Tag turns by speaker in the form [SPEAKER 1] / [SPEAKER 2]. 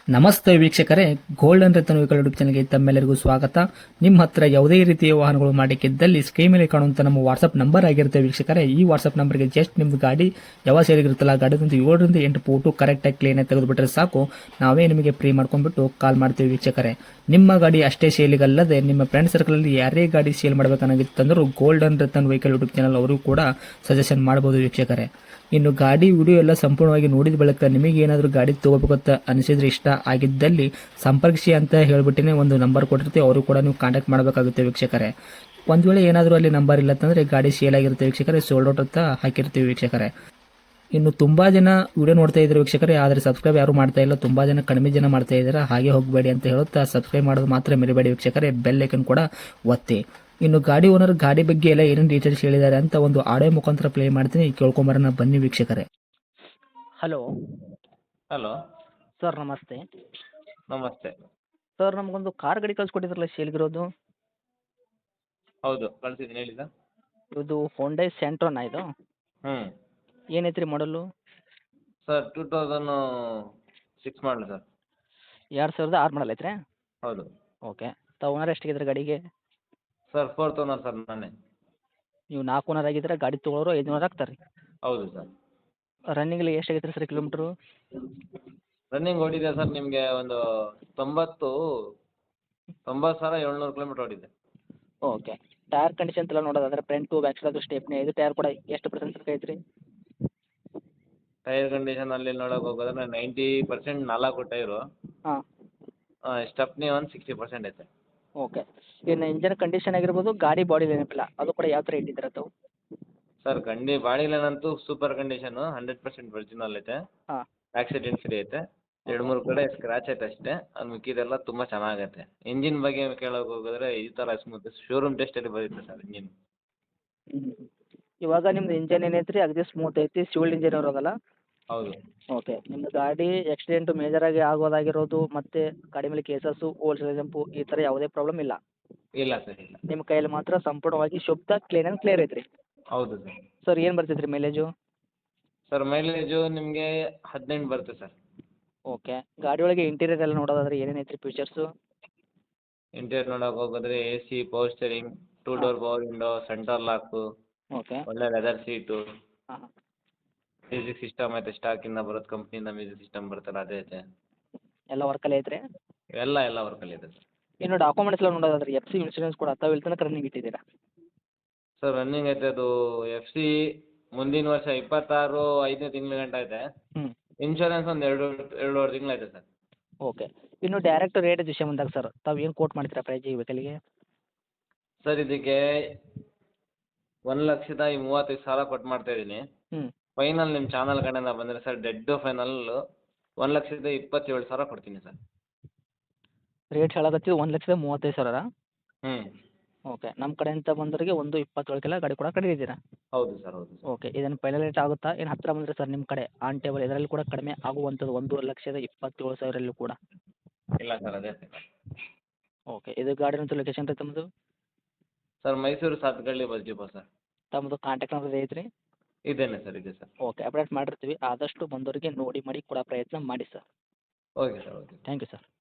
[SPEAKER 1] ನಮಸ್ತೆ ವೀಕ್ಷಕರೇ, golden Ratan vehicle YouTube ಚಾನಲ್ಗೆ ತಮ್ಮೆಲ್ಲರಿಗೂ ಸ್ವಾಗತ. ನಿಮ್ಮ ಹತ್ರ ಯಾವುದೇ ರೀತಿಯ ವಾಹನಗಳು ಮಾಡಿಕ್ಕಿದ್ದಲ್ಲಿ ಸ್ಕ್ರೀನ್ ಮೇಲೆ ಕಾಣುವಂತ ನಮ್ಮ ವಾಟ್ಸ್ಆಪ್ ನಂಬರ್ ಆಗಿರುತ್ತೆ ವೀಕ್ಷಕರೇ. ಈ ವಾಟ್ಸ್ಆಪ್ ನಂಬರ್ಗೆ ಜಸ್ಟ್ ನಿಮ್ದು ಗಾಡಿ ಯಾವ ಸೇರಿಗಿರುತ್ತಲ್ಲ ಗಾಡಿದಂತ 7ರಿಂದ 8 ಫೋಟೋ ಕರೆಕ್ಟಾಗಿ ಕ್ಲೀನ್ ಆಗಿ ತೆಗೆದುಬಿಟ್ರೆ ಸಾಕು, ನಾವೇ ನಿಮಗೆ ಫ್ರೀ ಮಾಡ್ಕೊಂಡ್ಬಿಟ್ಟು ಕಾಲ್ ಮಾಡ್ತೀವಿ ವೀಕ್ಷಕರೇ. ನಿಮ್ಮ ಗಾಡಿ ಅಷ್ಟೇ ಸೇಲಿಗಲ್ಲದೆ ನಿಮ್ಮ ಫ್ರೆಂಡ್ ಸರ್ಕಲ್ ಅಲ್ಲಿ ಯಾರೇ ಗಾಡಿ ಸೇಲ್ ಮಾಡಬೇಕನ್ನಾಗಿತ್ತಂದ್ರೂ golden Ratan vehicle YouTube channel ಅವರು ಕೂಡ ಸಜೆಷನ್ ಮಾಡಬಹುದು ವೀಕ್ಷಕರೇ. ಇನ್ನು ಗಾಡಿ ವಿಡಿಯೋ ಎಲ್ಲ ಸಂಪೂರ್ಣವಾಗಿ ನೋಡಿದ ಬಳಿಕ ನಿಮಗೆ ಏನಾದರೂ ಗಾಡಿ ತಗೋಬೇಕಂತ ಅನಿಸಿದ್ರೆ, ಇಷ್ಟ ಆಗಿದ್ದಲ್ಲಿ ಸಂಪರ್ಕಿಸಿ ಅಂತ ಹೇಳ್ಬಿಟ್ಟಿನೇ ಒಂದು ನಂಬರ್ ಕೊಟ್ಟಿರ್ತೀವಿ, ಅವರು ಕೂಡ ನೀವು ಕಾಂಟ್ಯಾಕ್ಟ್ ಮಾಡಬೇಕಾಗುತ್ತೆ ವೀಕ್ಷಕರೇ. ಒಂದು ವೇಳೆ ಏನಾದರೂ ಅಲ್ಲಿ ನಂಬರ್ ಇಲ್ಲ ಅಂತಂದರೆ ಗಾಡಿ ಸೇಲ್ ಆಗಿರುತ್ತೆ ವೀಕ್ಷಕರೇ, ಸೋಲ್ಡ್ ಔಟ್ ಅಂತ ಹಾಕಿರ್ತೀವಿ ವೀಕ್ಷಕರೇ. ಇನ್ನು ತುಂಬಾ ಜನ ವಿಡಿಯೋ ನೋಡ್ತಾ ಇದ್ದಾರೆ ವೀಕ್ಷಕರೇ, ಆದರೆ ಸಬ್ಸ್ಕ್ರೈಬ್ ಯಾರು ಮಾಡ್ತಾ ಇಲ್ಲ, ತುಂಬಾ ಜನ ಕಡಿಮೆ ಜನ ಮಾಡ್ತಾ ಇದ್ದಾರೆ. ಹಾಗೆ ಹೋಗಬೇಡಿ ಅಂತ ಹೇಳುತ್ತಾ ಸಬ್ಸ್ಕ್ರೈಬ್ ಮಾಡೋದು ಮಾತ್ರ ಮರಿಬೇಡಿ ವೀಕ್ಷಕರೇ, ಬೆಲ್ ಐಕನ್ ಕೂಡ ಒತ್ತಿ. ಇನ್ನು ಗಾಡಿ ಓನರ್ ಗಾಡಿ ಬಗ್ಗೆ ಎಲ್ಲ ಏನೇನು ಡೀಟೇಲ್ಸ್ ಹೇಳಿದ್ದಾರೆ ಅಂತ ಒಂದು ಆಡಿಯೋ ಮುಖಾಂತರ ಪ್ಲೇ ಮಾಡ್ತೀನಿ, ಕೇಳ್ಕೊಂಬರೋಣ ಬನ್ನಿ ವೀಕ್ಷಕರೇ. ಹಲೋ
[SPEAKER 2] ಹಲೋ
[SPEAKER 1] ಸರ್, ನಮಸ್ತೆ.
[SPEAKER 2] ನಮಸ್ತೆ.
[SPEAKER 1] ಸರ್, ನಮಗೊಂದು ಕಾರ್ ಗಾಡಿ ಕಳ್ಸಿಕೊಟ್ಟಿದ್ರಲ್ಲ ಸೇಲ್ಗಿರೋದು,
[SPEAKER 2] ಹೌದು ಕಳ್ಸಿದ್ದೀನಿ ಹೇಳಿ ಸರ್.
[SPEAKER 1] ಇದು ಹೊಂಡೈ ಸೆಂಟ್ರೋನಾ ಇದು?
[SPEAKER 2] ಹ್ಞೂ
[SPEAKER 1] ಏನೈತ್ರಿ ಮಾಡಲು?
[SPEAKER 2] ಸರ್ 2006 ಮಾಡಲು ಸರ್.
[SPEAKER 1] 2006 ಮಾಡಲ್ ಐತ್ರಿ?
[SPEAKER 2] ಹೌದು
[SPEAKER 1] ಓಕೆ. ತಾವು ಓನರ್ ಎಷ್ಟಾಗಿದ್ರೆ ಗಾಡಿಗೆ?
[SPEAKER 2] ಸರ್ 4th ಓನರ್ ಸರ್ ನಾನೇ.
[SPEAKER 1] ನೀವು 4 ಓನರ್ ಆಗಿದ್ರೆ ಗಾಡಿ ತೊಗೊಳೋರು 5 ಓನರ್ ಆಗ್ತಾರೆ ರೀ.
[SPEAKER 2] ಹೌದು ಸರ್.
[SPEAKER 1] ರನ್ನಿಂಗಲ್ಲಿ ಎಷ್ಟಾಗೈತೆ ಸರ್ ಕಿಲೋಮೀಟ್ರು?
[SPEAKER 2] ರನ್ನಿಂಗ್ ಓಡಿದೆ ಸರ್ ನಿಮಗೆ ಒಂದು 90,700 ಕಿಲೋಮೀಟ್ರ್ ಓಡಿದೆ.
[SPEAKER 1] ಓಕೆ. ಟೈರ್ ಕಂಡೀಷನ್ ಎಲ್ಲ ನೋಡೋದಾದ್ರೆ ಫ್ರಂಟು ಬ್ಯಾಕ್ ಸೈಡ್ ಸ್ಟೆಪ್ನಿ ಇದು ಟೈರ್ ಕೂಡ ಎಷ್ಟು ಪರ್ಸೆಂಟ್ ಐತ್ರಿ?
[SPEAKER 2] ಟೈರ್ ಕಂಡೀಷನಲ್ಲಿ ನೋಡೋಕೆ ಹೋಗೋದ್ರೆ 90% 4 ಟೈರು.
[SPEAKER 1] ಹಾಂ.
[SPEAKER 2] ಸ್ಟೆಪ್ನಿ ಒಂದು 60% ಐತೆ.
[SPEAKER 1] ಓಕೆ. ಇನ್ನು ಇಂಜನ್ ಕಂಡೀಷನ್ ಆಗಿರ್ಬೋದು, ಗಾಡಿ ಬಾಡಿ ನೆನಪಿಲ್ಲ ಅದು ಕೂಡ ಯಾವ ಥರ ಇಟ್ಟಿದ್ದೀರ ತಾವು?
[SPEAKER 2] ಸರ್ ಬಾಡಿ ಲೈನ್ ಅಂತೂ ಸೂಪರ್ ಕಂಡೀಷನು, 100% ಒರಿಜಿನಲ್ ಐತೆ.
[SPEAKER 1] ಹಾಂ.
[SPEAKER 2] ಆಕ್ಸಿಡೆಂಟ್ ಫ್ರೀ ಐತೆ. 2-3 ಕಡೆ ಸ್ಕ್ರಾಚ್ ಐತೆ ಅಷ್ಟೇ, ಅದು ಮಿಕ್ಕಿದೆಲ್ಲ ತುಂಬ ಚೆನ್ನಾಗೈತೆ. ಇಂಜಿನ್ ಬಗ್ಗೆ ಕೇಳೋಕೆ ಹೋಗಿದ್ರೆ ಈ ಥರ ಸ್ಮೂತ್ ಶೋರೂಮ್ ಟೆಸ್ಟಲ್ಲಿ ಬರುತ್ತೆ ಸರ್ ಇಂಜಿನ್.
[SPEAKER 1] ಇವಾಗ ನಿಮ್ದು ಇಂಜನ್ ಏನೈತ್ರಿ ಅಗದಿ ಸ್ಮೂತ್ ಐತಿ, ಸಿವಿಲ್ ಇಂಜಿನ್ ಇರೋದಲ್ಲ?
[SPEAKER 2] ಹೌದು.
[SPEAKER 1] ಓಕೆ. ನಿಮ್ಮದು ಗಾಡಿ ಆಕ್ಸಿಡೆಂಟು ಮೇಜರಾಗಿ ಆಗೋದಾಗಿರೋದು ಮತ್ತು ಗಾಡಿ ಮೇಲೆ ಕೇಸಸ್ಸು ಓಲ್ಡ್ ಜಂಪು ಈ ಥರ ಯಾವುದೇ ಪ್ರಾಬ್ಲಮ್ ಇಲ್ಲ?
[SPEAKER 2] ಇಲ್ಲ ಸರ್ ಇಲ್ಲ.
[SPEAKER 1] ನಿಮ್ಮ ಕೈಯಲ್ಲಿ ಮಾತ್ರ ಸಂಪೂರ್ಣವಾಗಿ ಶುದ್ಧ ಕ್ಲೀನ್ ಆ್ಯಂಡ್ ಕ್ಲಿಯರ್ ಐತ್ರಿ?
[SPEAKER 2] ಹೌದು ಸರ್.
[SPEAKER 1] ಸರ್, ಏನು ಬರ್ತೈತೆ ರೀ ಮೈಲೇಜು?
[SPEAKER 2] ಸರ್ ಮೈಲೇಜು ನಿಮಗೆ 18 ಬರುತ್ತೆ ಸರ್.
[SPEAKER 1] ಓಕೆ. ಗಾಡಿ ಒಳಗೆ ಇಂಟೀರಿಯರ್ ಎಲ್ಲ ನೋಡೋದಾದ್ರೆ ಏನೇನು ಐತ್ರಿ ಫೀಚರ್ಸು?
[SPEAKER 2] ಇಂಟೀರಿಯರ್ ನೋಡೋಕೆ ಹೋಗಿದ್ರೆ AC, power steering, 2 door power window, centre lock,
[SPEAKER 1] okay.
[SPEAKER 2] ಒಳ್ಳೆ ಲೆದರ್ ಸೀಟು,
[SPEAKER 1] ಹಾಂ ಹಾಂ.
[SPEAKER 2] ಮ್ಯೂಸಿಕ್ ಸಿಸ್ಟಮ್ ಐತೆ, ಸ್ಟಾಕಿಂದ ಬರೋದು ಕಂಪ್ನಿಯಿಂದ ಮ್ಯೂಸಿಕ್ ಸಿಸ್ಟಮ್ ಬರುತ್ತಲ್ಲ ಅದೇ ಐತೆ.
[SPEAKER 1] ಎಲ್ಲ ವರ್ಕಲ್ಲಿ ಐತ್ರಿ?
[SPEAKER 2] ಎಲ್ಲ ವರ್ಕಲ್ಲಿ ಇದೆ ಸರ್.
[SPEAKER 1] ಇನ್ನು ಡಾಕ್ಯುಮೆಂಟ್ಸ್ ಎಲ್ಲ ನೋಡೋದಾದ್ರೆ FC ಇನ್ಶೂರೆನ್ಸ್ ಕೂಡ ತಾವು ಇಲ್ಲಿ ತನಕ ರನ್ನಿಂಗ್ ಇಟ್ಟಿದ್ದೀರಾ?
[SPEAKER 2] ಸರ್ ರನ್ನಿಂಗ್ ಐತೆ ಅದು FC ಮುಂದಿನ ವರ್ಷ 26 5ನೇ ತಿಂಗಳ ಗಂಟ ಐತೆ.
[SPEAKER 1] ಹ್ಞೂ.
[SPEAKER 2] ಇನ್ಶೂರೆನ್ಸ್ ಒಂದು 2-2.5 ತಿಂಗಳು ಐತೆ ಸರ್.
[SPEAKER 1] ಓಕೆ. ಇನ್ನು ಡೈರೆಕ್ಟ್ ರೇಟ್ ವಿಷಯ ಬಂದಾಗ ಸರ್, ತಾವು ಏನು ಕೋಟ್ ಮಾಡ್ತೀರಾ ಪ್ರೈಸ್ ಈ ವೆಹಿಕಲ್ಗೆ?
[SPEAKER 2] ಸರ್ ಇದಕ್ಕೆ 1,35,000 ಕೊಟ್ಟು ಮಾಡ್ತಾ ಇದ್ದೀನಿ.
[SPEAKER 1] ಹ್ಞೂ.
[SPEAKER 2] ಫೈನಲ್ ನಿಮ್ಮ ಚಾನಲ್ ಕಡೆಯಿಂದ ಬಂದರೆ ಸರ್ ಡೆಡ್ ಫೈನಲ್ಲು 1,27,000 ಕೊಡ್ತೀನಿ ಸರ್.
[SPEAKER 1] ರೇಟ್ ಹೇಳಕತ್ತಿದ್ದು 1,35,000?
[SPEAKER 2] ಹ್ಞೂ.
[SPEAKER 1] ಓಕೆ. ನಮ್ಮ ಕಡೆಯಿಂದ ಬಂದವರಿಗೆ 1,27,000 ಗಾಡಿ ಕೂಡ ಕಡಿಮೆ ಇದ್ದೀರಾ?
[SPEAKER 2] ಹೌದು ಸರ್ ಹೌದು ಸರ್.
[SPEAKER 1] ಓಕೆ. ಇದನ್ನು ಫೈನಲ್ ರೇಟ್ ಆಗುತ್ತಾ ಏನು ಹತ್ತಿರ ಬಂದರೆ ಸರ್ ನಿಮ್ಮ ಕಡೆ ಆನ್ ಟೇಬಲ್ ಇದರಲ್ಲಿ ಕೂಡ ಕಡಿಮೆ ಆಗುವಂಥದ್ದು 1,27,000 ಕೂಡ?
[SPEAKER 2] ಇಲ್ಲ ಸರ್ ಅದೇ ಸರ್.
[SPEAKER 1] ಓಕೆ. ಇದು ಗಾಡಿನಂತೂ ಲೊಕೇಶನ್ ರೀ ತಮ್ಮದು?
[SPEAKER 2] Sir Mysuru Sathgalli bus depot sir.
[SPEAKER 1] ತಮ್ಮದು ಕಾಂಟ್ಯಾಕ್ಟ್ ನಂಬರ್ ಐತ್ರಿ?
[SPEAKER 2] ಇದೇನೆ ಸರ್ ಇದೆ ಸರ್.
[SPEAKER 1] ಓಕೆ. ಅಪ್ಡೇಟ್ ಮಾಡಿರ್ತೀವಿ, ಆದಷ್ಟು ಬಂದವರಿಗೆ ನೋಡಿ ಮಾಡಿ ಕೊಡೋ ಪ್ರಯತ್ನ ಮಾಡಿ sir.
[SPEAKER 2] Okay sir okay.
[SPEAKER 1] Thank you sir.